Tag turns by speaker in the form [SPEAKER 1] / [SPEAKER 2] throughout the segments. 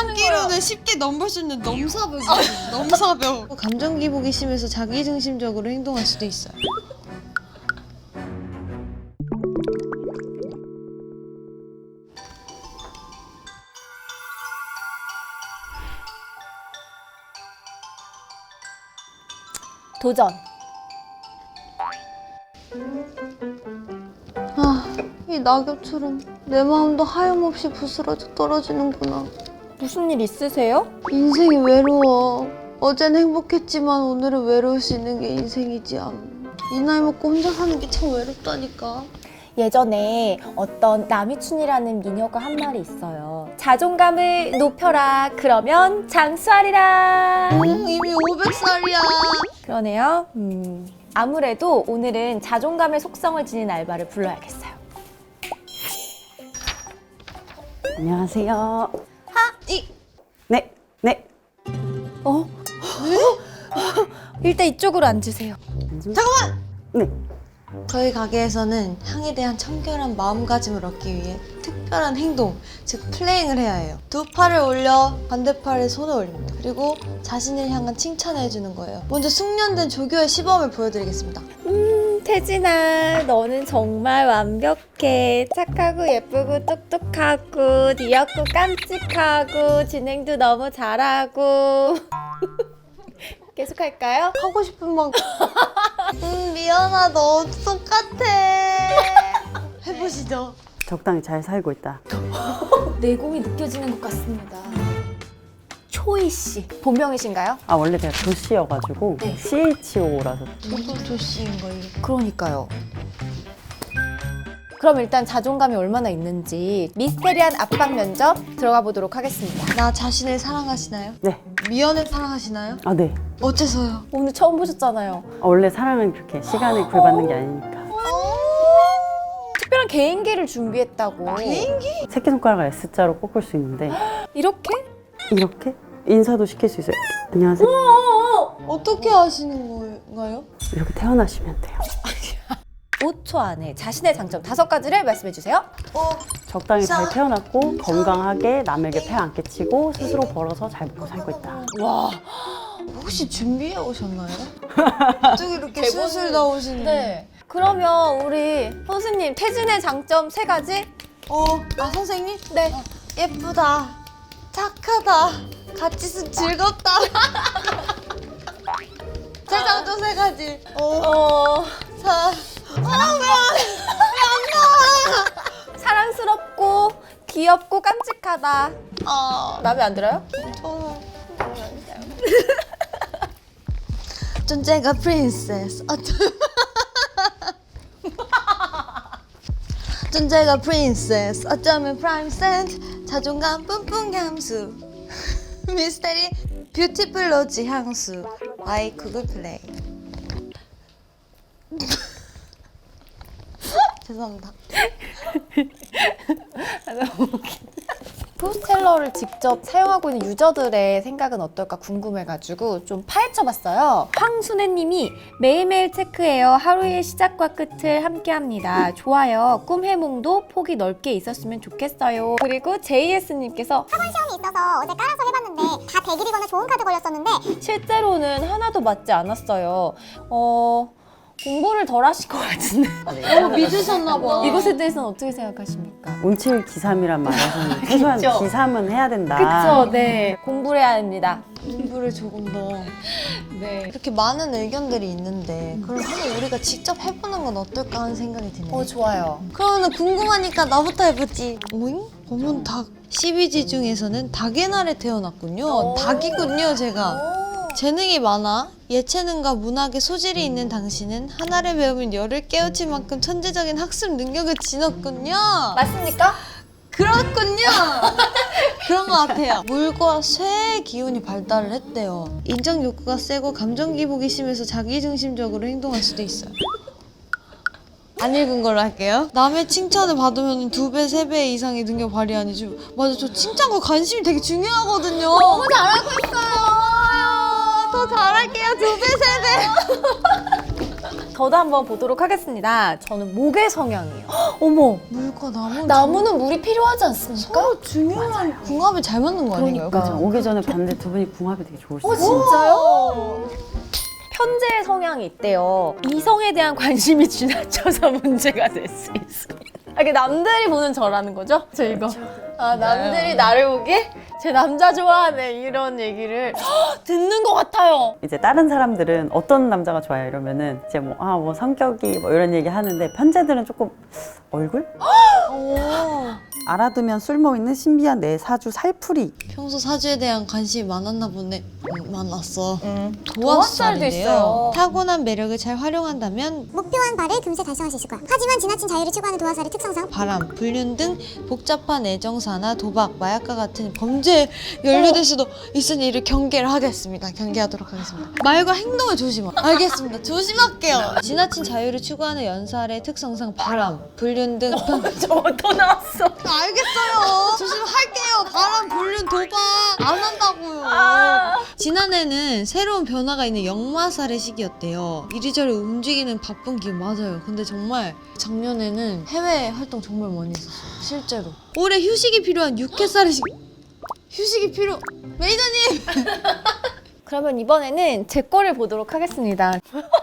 [SPEAKER 1] 듣기로는 쉽게 넘볼 수 있는 넘사벽이에요. 넘사벽. 감정 기복이 심해서 자기중심적으로 행동할 수도 있어요.
[SPEAKER 2] 도전.
[SPEAKER 1] 이 낙엽처럼 내 마음도 하염없이 부스러져 떨어지는구나.
[SPEAKER 2] 무슨 일 있으세요?
[SPEAKER 1] 인생이 외로워. 어젠 행복했지만 오늘은 외로울 수 있는 게 인생이지 암. 이 나이 먹고 혼자 사는 게 참 외롭다니까.
[SPEAKER 2] 예전에 어떤 남이춘이라는 미녀가 한 말이 있어요. 자존감을 높여라. 그러면 장수하리라.
[SPEAKER 1] 이미 500살이야.
[SPEAKER 2] 그러네요. 아무래도 오늘은 자존감의 속성을 지닌 알바를 불러야겠어요.
[SPEAKER 3] 안녕하세요.
[SPEAKER 1] 이
[SPEAKER 3] 네, 네.
[SPEAKER 2] 일단 이쪽으로 앉으세요.
[SPEAKER 1] 잠깐만!
[SPEAKER 3] 네.
[SPEAKER 1] 저희 가게에서는 향에 대한 청결한 마음가짐을 얻기 위해 특별한 행동, 즉 플레잉을 해야 해요. 두 팔을 올려 반대팔에 손을 올립니다. 그리고 자신을 향한 칭찬을 해주는 거예요. 먼저 숙련된 조교의 시범을 보여드리겠습니다.
[SPEAKER 2] 태진아, 너는 정말 완벽해. 착하고 예쁘고 똑똑하고 귀엽고 깜찍하고 진행도 너무 잘하고. 계속할까요?
[SPEAKER 1] 하고 싶은 만큼. 미연아, 너 똑같아. 해보시죠.
[SPEAKER 3] 적당히 잘 살고 있다.
[SPEAKER 2] 내공이 느껴지는 것 같습니다. 초이 씨, 본명이신가요?
[SPEAKER 3] 아, 원래 제가 조씨여가지고
[SPEAKER 2] 네.
[SPEAKER 3] CHO라서.
[SPEAKER 1] 누구 조씨인 거예요?
[SPEAKER 2] 그러니까요. 그럼 일단 자존감이 얼마나 있는지 미스테리한 압박 면접 들어가 보도록 하겠습니다.
[SPEAKER 1] 나 자신을 사랑하시나요?
[SPEAKER 3] 네.
[SPEAKER 1] 미연을 사랑하시나요?
[SPEAKER 3] 아, 네.
[SPEAKER 1] 어째서요?
[SPEAKER 2] 오늘 처음 보셨잖아요.
[SPEAKER 3] 아, 원래 사랑은 그렇게 시간을 구애받는 게 아니니까.
[SPEAKER 2] 특별한 개인기를 준비했다고.
[SPEAKER 1] 개인기?
[SPEAKER 3] 새끼손가락을 S자로 꺾을 수 있는데
[SPEAKER 2] 이렇게?
[SPEAKER 3] 이렇게 인사도 시킬 수 있어요. 안녕하세요.
[SPEAKER 1] 어떻게 하시는 건가요?
[SPEAKER 3] 이렇게 태어나시면 돼요.
[SPEAKER 2] 5초 안에 자신의 장점 5가지를 말씀해 주세요.
[SPEAKER 3] 적당히 잘 태어났고 건강하게 남에게 폐 안 끼치고 스스로 벌어서 잘 먹고 살고 있다.
[SPEAKER 2] 와.
[SPEAKER 1] 혹시 준비해 오셨나요? 갑자기 이렇게 술술 나오시는.
[SPEAKER 2] 네. 그러면 우리 선생님 태진의 장점 3가지?
[SPEAKER 1] 선생님?
[SPEAKER 2] 네.
[SPEAKER 1] 예쁘다. 착하다. 같이 있으면 즐겁다. 제 장점 3가지.
[SPEAKER 2] 사랑스럽고 귀엽고 깜찍하다. 마음에 안 들어요?
[SPEAKER 1] 존재가 프린세스. 존재가 프린세스. 어쩌면 프라임 센트. 자존감 뿜뿜 감수. 미스테리 뷰티풀 로지 향수. 아이 구글 플레이. 죄송합니다.
[SPEAKER 2] 포스텔러를 직접 사용하고 있는 유저들의 생각은 어떨까 궁금해가지고 좀 파헤쳐봤어요. 황순애님이 매일매일 체크해요. 하루의 시작과 끝을 함께합니다. 좋아요. 꿈 해몽도 폭이 넓게 있었으면 좋겠어요. 그리고 JS님께서
[SPEAKER 4] 학원 시험이 있어서 어제 깔아서 해봤는데 다 100일이거나 좋은 카드 걸렸었는데
[SPEAKER 2] 실제로는 하나도 맞지 않았어요. 공부를 덜 하실 것 같은데.
[SPEAKER 1] 믿으셨나봐.
[SPEAKER 2] 이것에 대해서는 어떻게 생각하십니까?
[SPEAKER 3] 온칠기삼이란 말에서는 최소한
[SPEAKER 2] 그쵸.
[SPEAKER 3] 기삼은 해야 된다.
[SPEAKER 2] 그쵸, 네. 공부를 해야 됩니다.
[SPEAKER 1] 공부를 조금 더.
[SPEAKER 2] 네.
[SPEAKER 1] 이렇게 많은 의견들이 있는데 그럼 한번 우리가 직접 해보는 건 어떨까 하는 생각이 드네요.
[SPEAKER 2] 좋아요.
[SPEAKER 1] 그러면 궁금하니까 나부터 해보지. 오잉? 검은 닭. 12지 중에서는 닭의 날에 태어났군요. 닭이군요, 제가. 재능이 많아 예체능과 문학에 소질이 있는 당신은 하나를 배우면 열을 깨우칠 만큼 천재적인 학습 능력을 지녔군요.
[SPEAKER 2] 맞습니까?
[SPEAKER 1] 그렇군요. 그런 것 같아요. 물과 쇠의 기운이 발달을 했대요. 인정 욕구가 세고 감정 기복이 심해서 자기중심적으로 행동할 수도 있어요. 안 읽은 걸로 할게요. 남의 칭찬을 받으면 2배, 3배 이상의 능력 발휘하니 맞아, 저 칭찬과 관심이 되게 중요하거든요.
[SPEAKER 2] 너무 잘하고 있어요.
[SPEAKER 1] 더 잘할게요. 2배, 3배.
[SPEAKER 2] 저도 한번 보도록 하겠습니다. 저는 목의 성향이에요. 어머,
[SPEAKER 1] 물과 나무.
[SPEAKER 2] 나무는 물이 필요하지 않습니까?
[SPEAKER 1] 서로 중요한 궁합이 잘 맞는 거 아닌가요?
[SPEAKER 2] 그러니까.
[SPEAKER 1] 그죠?
[SPEAKER 3] 오기 전에 봤는데 두 분이 궁합이 되게 좋으시네요.
[SPEAKER 2] 진짜요? 편재의 성향이 있대요. 이성에 대한 관심이 지나쳐서 문제가 될 수 있습니다. 이게 남들이 보는 저라는 거죠? 저 이거. 아, 남들이 나를 보기에 제 남자 좋아하네 이런 얘기를 듣는 것 같아요.
[SPEAKER 3] 이제 다른 사람들은 어떤 남자가 좋아요 이러면은 이제 뭐 성격이 뭐 이런 얘기 하는데 편재들은 조금 얼굴? 알아두면 쓸모 있는 신비한 내 사주 살풀이.
[SPEAKER 1] 평소 사주에 대한 관심이 많았나 보네. 많았어.
[SPEAKER 2] 도화살도
[SPEAKER 1] 도화살인데요.
[SPEAKER 2] 있어요.
[SPEAKER 1] 타고난 매력을 잘 활용한다면
[SPEAKER 4] 목표한 바를 금세 달성할 수 있을 거야. 하지만 지나친 자유를 추구하는 도화살의 특성상
[SPEAKER 1] 바람, 불륜 등 복잡한 애정사나 도박, 마약과 같은 범죄에 연루될 수도 있으니 이를 경계를 하겠습니다. 경계하도록 하겠습니다. 말과 행동을 조심하. 알겠습니다. 조심할게요. 지나친 자유를 추구하는 연살의 특성상 바람, 불륜 등
[SPEAKER 2] 저거 또 나왔어.
[SPEAKER 1] 알겠어요. 조심할게요. 바람, 불륜, 도박 안 한다고요. 지난해는 새로운 변화가 있는 역마살의 시기였대요. 이리저리 움직이는 바쁜 기운 맞아요. 근데 정말 작년에는 해외 활동 정말 많이 했었어요. 실제로. 올해 휴식이 필요한 6회살의 시기. 휴식이 필요. 메이저님.
[SPEAKER 2] 그러면 이번에는 제 거를 보도록 하겠습니다.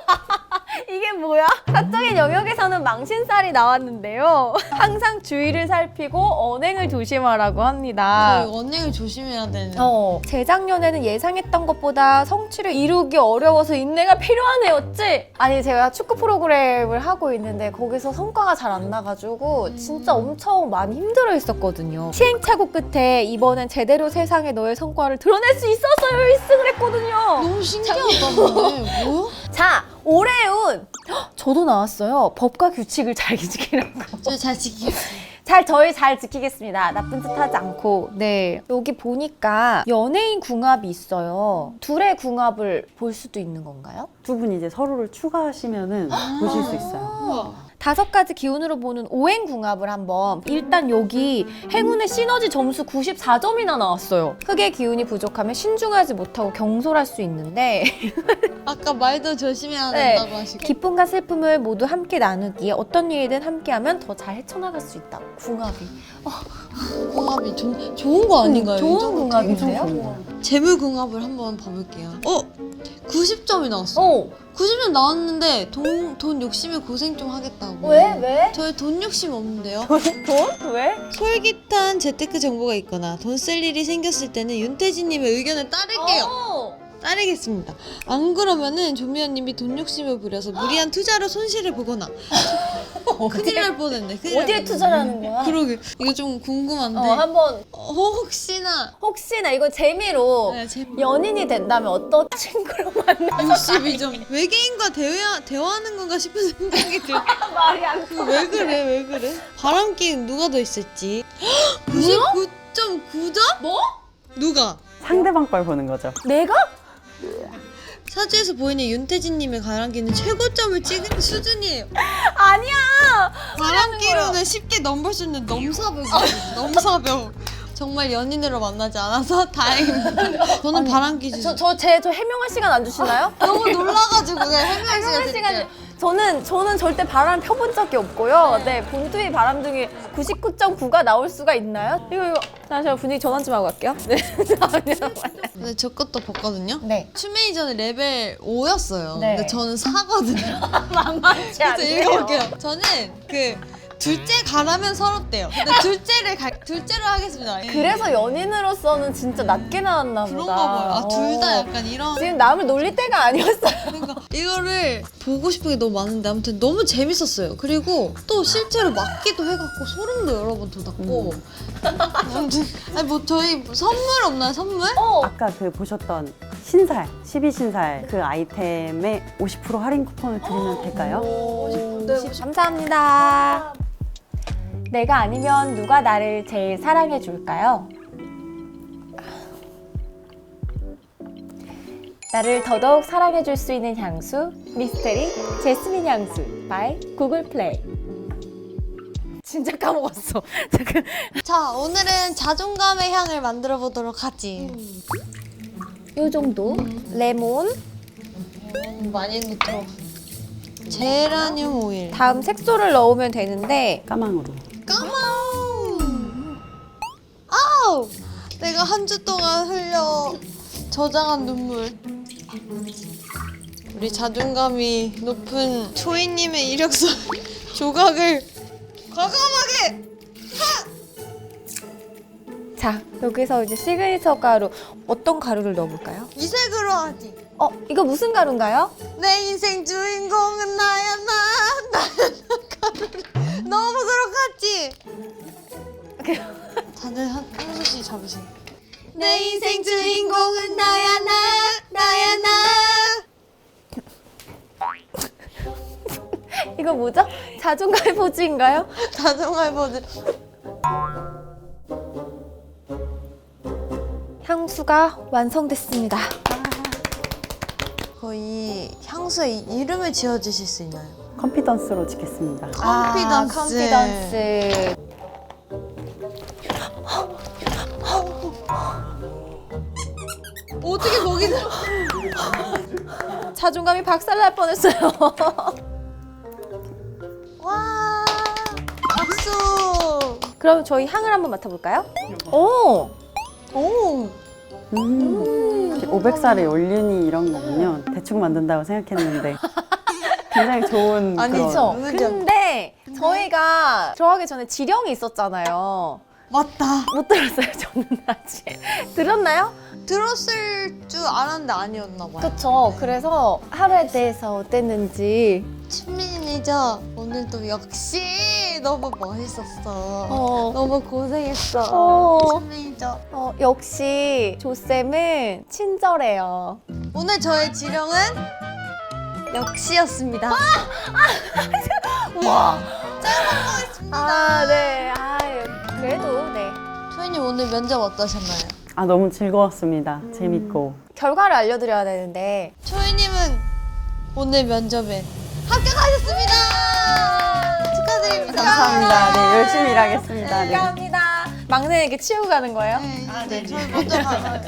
[SPEAKER 2] 이게 뭐야? 사적인 영역에서는 망신살이 나왔는데요. 항상 주의를 살피고 언행을 조심하라고 합니다.
[SPEAKER 1] 저희 언행을 조심해야 되는.
[SPEAKER 2] 재작년에는 예상했던 것보다 성취를 이루기 어려워서 인내가 필요하네였지? 아니 제가 축구 프로그램을 하고 있는데 거기서 성과가 잘 안 나가지고 진짜 엄청 많이 힘들어 했었거든요. 시행착오 끝에 이번엔 제대로 세상에 너의 성과를 드러낼 수 있었어요. 1승을 했거든요.
[SPEAKER 1] 너무 신기하다 근데. 뭐야?
[SPEAKER 2] 자, 올해의 운! 저도 나왔어요. 법과 규칙을 잘 지키라고.
[SPEAKER 1] 저희 잘 지키겠습니다.
[SPEAKER 2] 저희 잘 지키겠습니다. 나쁜 짓 하지 않고. 네. 여기 보니까 연예인 궁합이 있어요. 둘의 궁합을 볼 수도 있는 건가요?
[SPEAKER 3] 두 분이 이제 서로를 추가하시면은 보실 수 있어요.
[SPEAKER 2] 5가지 기운으로 보는 오행 궁합을 한번. 일단 여기 행운의 시너지 점수 94점이나 나왔어요. 흑의 기운이 부족하면 신중하지 못하고 경솔할 수 있는데
[SPEAKER 1] 아까 말도 조심해야
[SPEAKER 2] 네.
[SPEAKER 1] 된다고 하시고.
[SPEAKER 2] 기쁨과 슬픔을 모두 함께 나누기에 어떤 일이든 함께하면 더 잘 헤쳐나갈 수 있다. 궁합이.
[SPEAKER 1] 궁합이 좋은 거 아닌가요?
[SPEAKER 2] 좋은
[SPEAKER 1] 이 정도
[SPEAKER 2] 궁합인데요?
[SPEAKER 1] 되게 좋은 재물 궁합을 한번 봐볼게요. 90점이 나왔어. 90점 나왔는데 돈 욕심에 고생 좀 하겠다고.
[SPEAKER 2] 왜?
[SPEAKER 1] 저희 돈 욕심 없는데요.
[SPEAKER 2] 돈? 왜?
[SPEAKER 1] 솔깃한 재테크 정보가 있거나 돈 쓸 일이 생겼을 때는 윤태진님의 의견을 따를게요. 따르겠습니다. 안 그러면은 조미연님이 돈 욕심을 부려서 무리한 투자로 손실을 보거나 큰일 날 뻔했네. 큰일 날
[SPEAKER 2] 어디에
[SPEAKER 1] 뻔했네.
[SPEAKER 2] 투자라는 거야?
[SPEAKER 1] 그러게 이거 좀 궁금한데
[SPEAKER 2] 한번
[SPEAKER 1] 혹시나
[SPEAKER 2] 이거 재미로
[SPEAKER 1] 네, 재미-
[SPEAKER 2] 연인이 된다면 어떤 친구로 만나서
[SPEAKER 1] 62점 외계인과 대화하는 건가 싶은 생각이 들어.
[SPEAKER 2] 말이 안
[SPEAKER 1] 왜 그래? 바람기는 누가 더 있을지. 99.9점? 뭐? 누가?
[SPEAKER 3] 상대방 걸 보는 거죠.
[SPEAKER 2] 내가?
[SPEAKER 1] 사주에서 보이는 윤태진님의 바람기는 최고점을 찍은 수준이에요.
[SPEAKER 2] 아니야.
[SPEAKER 1] 바람기로는 쉽게 넘볼 수 있는 넘사벽이에요. 넘사벽. 정말 연인으로 만나지 않아서 다행입니다. 저는 바람기 주세요.
[SPEAKER 2] 저 해명할 시간 안 주시나요?
[SPEAKER 1] 너무 놀라가지고 그냥 해명할
[SPEAKER 2] 해명할
[SPEAKER 1] 시간
[SPEAKER 2] 시간 저는 절대 바람 펴본 적이 없고요. 네, 본투의 바람둥이 99.9가 나올 수가 있나요? 이거 잠시만 분위기 전환 좀 하고 갈게요. 네.
[SPEAKER 1] 근데 저 것도 봤거든요.
[SPEAKER 2] 네.
[SPEAKER 1] 춤메이저는 레벨 5였어요.
[SPEAKER 2] 네.
[SPEAKER 1] 근데 저는 4거든요.
[SPEAKER 2] 만만치
[SPEAKER 1] 그래서
[SPEAKER 2] 않네요.
[SPEAKER 1] 읽어볼게요. 저는 둘째 가라면 서럽대요. 근데 둘째를 하겠습니다.
[SPEAKER 2] 그래서 연인으로서는 진짜 낮게 나왔나 보다.
[SPEAKER 1] 그런가 봐요. 둘 다 약간 이런.
[SPEAKER 2] 지금 남을 놀릴 때가 아니었어요.
[SPEAKER 1] 그러니까 이거를 보고 싶은 게 너무 많은데 아무튼 너무 재밌었어요. 그리고 또 실제로 맞기도 해갖고 소름도 여러 번 돋았고. 아무튼 뭐 저희 선물 없나요? 선물?
[SPEAKER 3] 아까 보셨던 신살, 12신살 그 아이템에 50% 할인 쿠폰을 드리면 될까요?
[SPEAKER 2] 네, 감사합니다. 내가 아니면 누가 나를 제일 사랑해 줄까요? 나를 더더욱 사랑해 줄 수 있는 향수 미스테리 제스민 향수 by 구글 플레이. 진짜 까먹었어. 잠깐.
[SPEAKER 1] 자, 오늘은 자존감의 향을 만들어 보도록 하지.
[SPEAKER 2] 요 정도. 레몬.
[SPEAKER 1] 많이 넣도록. 제라늄 오일.
[SPEAKER 2] 다음 색소를 넣으면 되는데
[SPEAKER 3] 까망으로.
[SPEAKER 1] 까망. 아우! 내가 한 주 동안 흘려 저장한 눈물. 우리 자존감이 높은 초이님의 이력서 조각을 과감하게.
[SPEAKER 2] 자, 여기서 이제 시그니처 가루 어떤 가루를 넣어볼까요?
[SPEAKER 1] 이 색으로 하지.
[SPEAKER 2] 이거 무슨 가루인가요?
[SPEAKER 1] 내 인생 주인공은 나야 나 가루를 넣어보도록 하지. 다들 한 소씩 잡으세요. 내 인생 주인공은 나야 나.
[SPEAKER 2] 이거 뭐죠? 자존감의 포즈인가요?
[SPEAKER 1] 자동할 버전.
[SPEAKER 2] 향수가 완성됐습니다.
[SPEAKER 1] 거의 향수에 이름을 지어주실 수 있나요?
[SPEAKER 3] 컨피던스로 짓겠습니다.
[SPEAKER 1] 컨피던스.
[SPEAKER 2] 컨피던스.
[SPEAKER 1] 어떻게 거기 들어?
[SPEAKER 2] 자존감이 박살날 뻔했어요.
[SPEAKER 1] 와, 박수.
[SPEAKER 2] 그럼 저희 향을 한번 맡아볼까요? 오!
[SPEAKER 1] 오,
[SPEAKER 3] 500살의 연륜이 이런 거군요. 대충 만든다고 생각했는데 굉장히 좋은
[SPEAKER 1] 아니죠.
[SPEAKER 3] 그런
[SPEAKER 1] 그죠?
[SPEAKER 2] 근데 저희가 들어가기 전에 지령이 있었잖아요.
[SPEAKER 1] 맞다.
[SPEAKER 2] 못 들었어요, 저는 아직. 들었나요?
[SPEAKER 1] 들었을 줄 알았는데 아니었나 봐요.
[SPEAKER 2] 그쵸. 그래서 하루에 대해서 어땠는지.
[SPEAKER 1] 친민이죠. 오늘도 역시 너무 멋있었어. 너무 고생했어.
[SPEAKER 2] 어.
[SPEAKER 1] 친민이죠.
[SPEAKER 2] 역시 조쌤은 친절해요.
[SPEAKER 1] 오늘 저의 지령은 역시였습니다.
[SPEAKER 2] 와.
[SPEAKER 1] 짱
[SPEAKER 2] 네. 그래도 네.
[SPEAKER 1] 초이님 오늘 면접 어떠셨나요?
[SPEAKER 3] 너무 즐거웠습니다. 재밌고.
[SPEAKER 2] 결과를 알려드려야 되는데
[SPEAKER 1] 초이님은 오늘 면접에 합격하셨습니다. 축하드립니다.
[SPEAKER 3] 감사합니다. 네, 열심히 일하겠습니다. 네.
[SPEAKER 2] 감사합니다. 막내에게 치우고 가는 거예요?
[SPEAKER 1] 네, 저희 먼저 가요.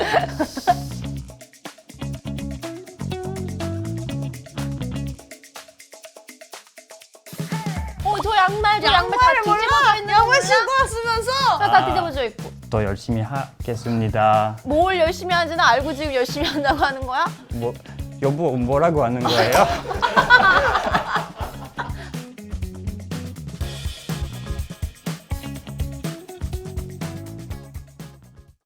[SPEAKER 2] 저 양말 다 뒤집어져 있는 거 몰라?
[SPEAKER 1] 신고 왔으면서
[SPEAKER 2] 다 뒤집어져 있고.
[SPEAKER 5] 더 열심히 하겠습니다.
[SPEAKER 2] 뭘 열심히 하는지는 알고 지금 열심히 한다고 하는 거야?
[SPEAKER 5] 뭐 여보 뭐라고 하는 거예요?